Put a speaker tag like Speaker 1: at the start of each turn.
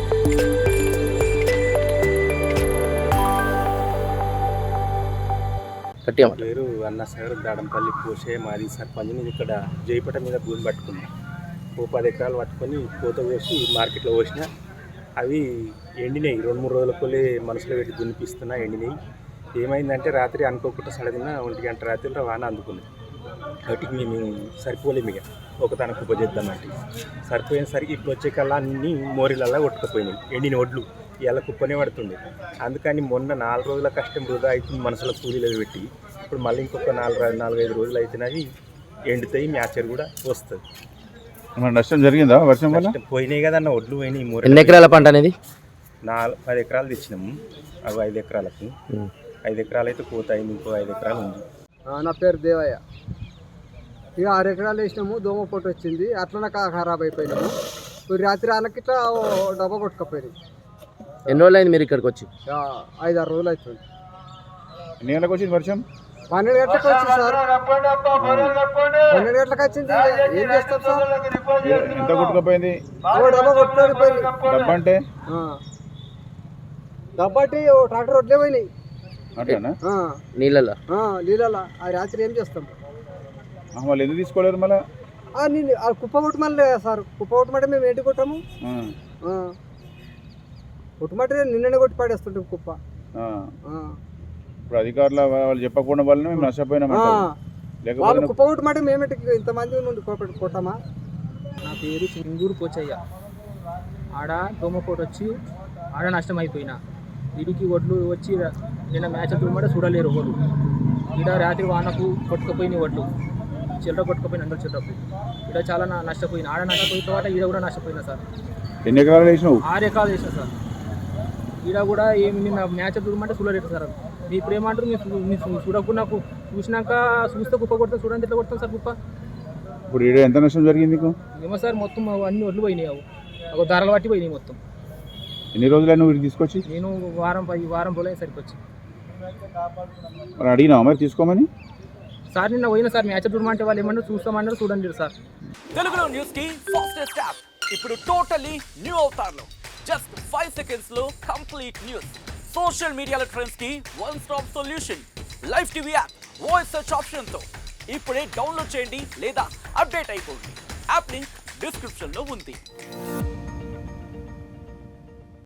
Speaker 1: పేరు అన్న సార్ దాడంపల్లి పోసే మాది సర్పంచ్. నేను ఇక్కడ జైపట మీద భూమి పట్టుకున్నా. ఓ 10 ఎకరాలు పట్టుకొని కోత కోసి మార్కెట్లో పోసిన. అవి ఎండినాయి. 2-3 రోజులకోలే మనసులో పెట్టి దున్నిపిస్తున్నా, ఎండినాయి. ఏమైందంటే రాత్రి అనుకోకుండా సడగిన 1 గంట రాత్రిలో వాన అందుకున్నాయి. వాటికి మేము సరిపోలేము, ఇక ఒక తన కుప్ప చేద్దామంటే సరిపోయేసరికి ఇప్పుడు వచ్చే కల్లా అన్నీ మోరీలల్లా కొట్టుకుపోయినాయి. ఎండిన ఒడ్లు ఇలా కుప్పనే పడుతుండే. అందుకని మొన్న 4 రోజుల కష్టం వృధా అవుతుంది మనసులో కూలీలు పెట్టి. ఇప్పుడు మళ్ళీ ఇంకొక 4-5 రోజులు అయితేనవి ఎండుతాయి, మ్యాచర్ కూడా వస్తుంది.
Speaker 2: నష్టం జరిగిందా వర్షం వల్ల?
Speaker 1: పోయినాయి కదన్న, ఒడ్లు పోయినాయి.
Speaker 3: ఎన్ని ఎకరాల పంట అనేది?
Speaker 1: 10 ఎకరాలు తెచ్చినాము. అవి 5 ఎకరాలకు 5 ఎకరాలు అయితే కోత అయింది, ఇంకో 5 ఎకరాలు ఉంది.
Speaker 4: నా పేరు దేవయ్య. ఇక 6 ఎకరాలు వేసినాము, దోమ పొట్టు వచ్చింది, అట్లనే ఖరాబ్ అయిపోయినాము. రాత్రి వాళ్ళకి ఇట్లా డబ్బా కొట్టుకపోయినాయి.
Speaker 3: ఎన్ని రోజులు అయింది మీరు ఇక్కడికి వచ్చి?
Speaker 4: 5-6 రోజులు అవుతుంది.
Speaker 2: ఎన్ని గంటలకు వచ్చింది వర్షం?
Speaker 4: 12 గంటలకు వచ్చింది సార్. 12 గంటలకు వచ్చింది. ఏం చేస్తాం సార్?
Speaker 2: ఎంత కొట్టుకుపోయింది?
Speaker 4: డబ్బా కొట్టుకోపోయింది.
Speaker 2: డబ్బా అంటే
Speaker 4: డబ్బా అంటే ట్రాక్టర్ వడ్లే పోయినాయి
Speaker 2: అట్లనా?
Speaker 3: నీళ్ళలో
Speaker 4: ఆ రాత్రి ఏం చేస్తాం?
Speaker 2: వాళ్ళు ఎందుకు తీసుకోలేరు మళ్ళీ?
Speaker 4: కుప్ప కొట్టమని సార్, కుప్ప కొట్టమంటే మేము ఏంటి కొట్టాము? కొట్టమంటే నిన్ననే కొట్టి పాడేస్తుంటాం కుప్ప.
Speaker 2: ఇప్పుడు అధికారులు వాళ్ళు చెప్పకుండా వాళ్ళని మేము నష్టపోయినాం.
Speaker 4: వాళ్ళు కుప్ప కొట్టమంటే మేమేంటి ఇంతమంది నుండి కొట్టామా?
Speaker 5: నా పేరు చింగూరు పోచయ్య. ఆడ దోమకోట వచ్చి ఆడ నష్టం అయిపోయినా. వీడికి ఒడ్లు వచ్చి నిన్న మ్యాచ్ తుమ్మంటే చూడలేరు ఒడ్లు. ఈడ రాత్రి వానకు కొట్టుకుపోయినాయి ఒడ్లు, చిల్లర కొట్టుకుపోయిన అందరూ చిల్లరకు. ఈడ చాలా నష్టపోయినా. ఆడ నష్టపోయిన తర్వాత ఈడ కూడా నష్టపోయినా సార్.
Speaker 2: ఎన్ని ఎకరాలు వేసినావు?
Speaker 5: 6 ఎకరాలు వేసిన సార్. ఈడ కూడా ఏమి నిన్న మ్యాచ్ తుమ్మంటే చూడలేరు సార్. మీ ఇప్పుడు ఏమంటారు? మీరు చూడకుండా చూసినాక చూస్తే కుప్ప కొడతాం, చూడండి ఎట్లా కొడతాం సార్ కుప్ప.
Speaker 2: ఇప్పుడు ఈడ ఎంత నష్టం జరిగింది నీకు?
Speaker 5: ఏమో సార్, మొత్తం అన్ని ఒడ్లు పోయినాయి. ఒక ధరలు బట్టి పోయినాయి మొత్తం.
Speaker 2: ఎన్ని రోజులు నువ్వు తీసుకొచ్చి?
Speaker 5: నేను వారం రోజులు సరిపోవచ్చు.
Speaker 2: మరి అడిగినా మరి తీసుకోమని?
Speaker 5: సార్ నిన్న పోయిన సార్ మ్యాచ్ చూడమంటే వాళ్ళు ఏమన్నారు, చూస్తామన్నారు, చూడండి సార్.
Speaker 6: తెలుగులో న్యూస్ కి ఫాస్టెస్ట్ యాప్ ఇప్పుడు టోటలీ న్యూ అవతార్లో. జస్ట్ 5 seconds లో కంప్లీట్ న్యూస్. సోషల్ మీడియాలో ట్రెండ్స్ కి one stop solution. Live TV app voice search option తో ఇప్పుడే డౌన్లోడ్ చేయండి లేదా అప్డేట్ అయిపోండి. యాప్ లింక్ డిస్క్రిప్షన్ లో ఉంది.